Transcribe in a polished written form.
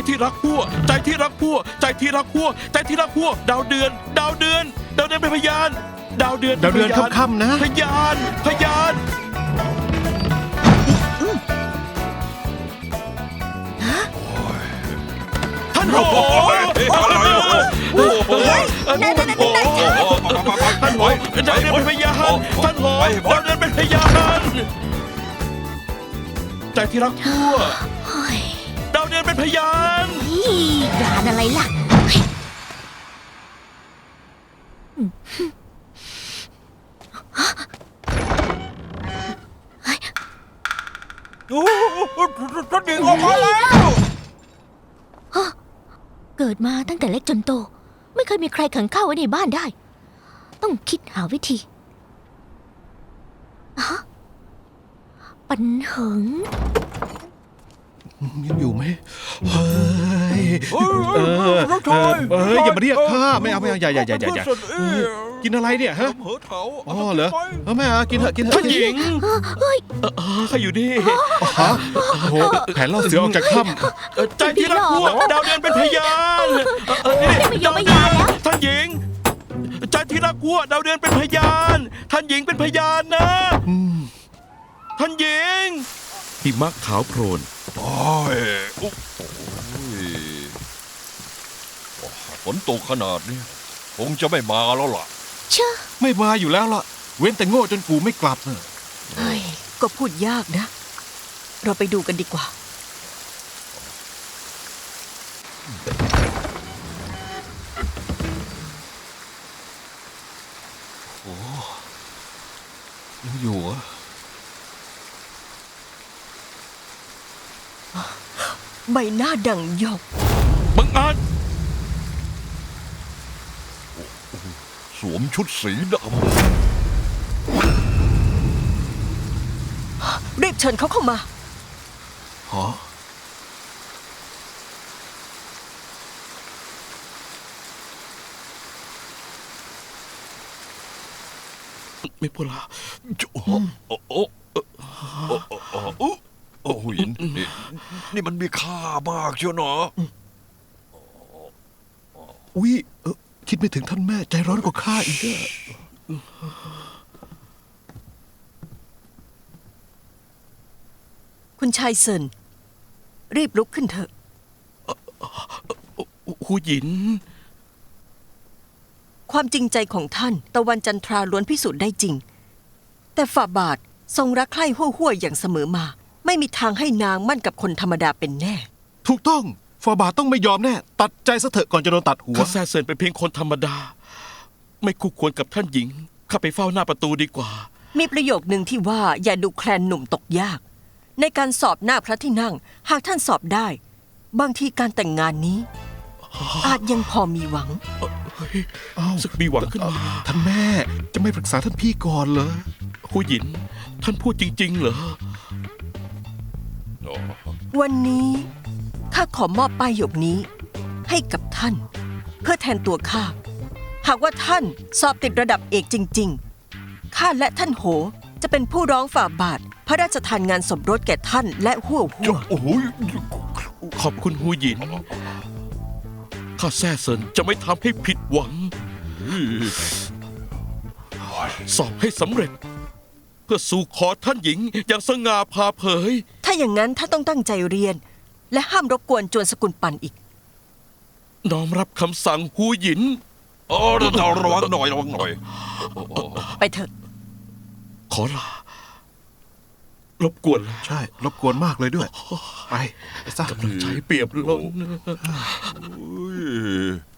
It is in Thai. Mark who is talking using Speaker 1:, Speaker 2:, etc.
Speaker 1: ที่รักพวกใจที่รักพวกใจที่รักพวกใจที่รักพวกดาวเดือนเป็นพยานดาวเดือน
Speaker 2: ค่ำๆนะ
Speaker 1: พยานท่านโหท่านโหดาวเดือนเป็นพยานท่านโหดาวเดือนเป็นพยานใจที่รักพวกดาวเดือนเป็นพยาน
Speaker 3: ยานอะไรล่ะ
Speaker 4: ท่านหญิงออกมาแล้ว
Speaker 3: เกิดมาตั้งแต่เล็กจนโตไม่เคยมีใครขังข้าไว้ในบ้านได้ต้องคิดหาวิธีปัญหา
Speaker 2: ยังอยู่ไหมเฮ้ยอย่ามาเรียกข้าไม่เอาอย่ากินอะไรเนี่ยฮะอ๋อเหรอแม่กินเถอะ
Speaker 1: ท่านหญิงข้าอยู่นี่
Speaker 2: โอ้แผนล่อเสือออกจากถ้
Speaker 1: ำใจที่รักพวกดาวเดือนเป็นพยานดาวเดือนท่านหญิงใจที่รักพวกดาวเดือนเป็นพยานท่านหญิงเป็นพยานนะท่านหญิงหิมะขาวโพลน
Speaker 4: ฝนตกขนาดนี้คงจะไม่มาแล้วล่ะ
Speaker 2: ไม่มาอยู่แล้วล่ะเว้นแต่โง่จนกูไม่กลับเนอะ
Speaker 5: ก็พูดยากนะเราไปดูกันดีกว่า
Speaker 4: โอ้ยังอยู่อ่ะ
Speaker 5: ใบหน้าดั่งหยก
Speaker 1: บังอาจ
Speaker 4: สวมชุดสีดำ
Speaker 5: รีบเชิญเขาเข้ามา
Speaker 4: ฮะ
Speaker 1: ไม่พูดละ
Speaker 4: โอ้หินนี่มันมีค่ามากเชียวเนาะ
Speaker 2: อุ๊ยคิดไม่ถึงท่านแม่ใจร้อนกว่าข้าอีก
Speaker 5: คุณชายเซินรีบลุกขึ้นเถอะ
Speaker 1: หูหยิน
Speaker 5: ความจริงใจของท่านตะวันจันทราล้วนพิสูจน์ได้จริงแต่ฝ่าบาททรงรักใคร่ห้วยๆอย่างเสมอมาไม่มีทางให้นางมั่นกับคนธรรมดาเป็นแน่
Speaker 2: ถูกต้องฟาบาทต้องไม่ยอมแน่ตัดใจซะเถอะก่อนจะโดนตัดหัว
Speaker 1: ข้าแซ่เซินเป็นเพียงคนธรรมดาไม่คู่ควรกับท่านหญิงข้าไปเฝ้าหน้าประตูดีกว่า
Speaker 5: มีประโยคนึงที่ว่าอย่าดูแคลนหนุ่มตกยากในการสอบหน้าพระที่นั่งหากท่านสอบได้บางทีการแต่งงานนี้อาจยังพอมีหวัง
Speaker 1: สักมีหวังขึ้นมา
Speaker 2: ท่านแม่จะไม่ปรึกษาท่านพี่ก่อนเหรอ
Speaker 1: หูหยินท่านพูดจริงๆเหรอ
Speaker 5: วันนี้ข้าขอมอบป้ายหยกนี้ให้กับท่านเพื่อแทนตัวข้าหากว่าท่านสอบติดระดับเอกจริงๆข้าและท่านโหจะเป็นผู้ร้องฝ่าบาทพระราชทานงานสมรสแก่ท่านและหัว
Speaker 1: ขอบคุณหูหยินข้าแซ่เซินจะไม่ทำให้ผิดหวังสอบให้สำเร็จเพื่อสู่ขอท่านหญิงอย่างสง่าผ่าเผย
Speaker 5: ถ้าอย่างนั้นท่านต้องตั้งใจเรียนและห้ามรบกวนจวนสกุลปันอีก
Speaker 1: น้อมรับคำสั่งหูหยิน
Speaker 4: ระวังหน่อย
Speaker 5: ไปเถอะ
Speaker 1: ขอลารบกวน
Speaker 2: ใช่รบกวนมากเลยด้วยไปซะ
Speaker 1: กำลังใจเปรียบลง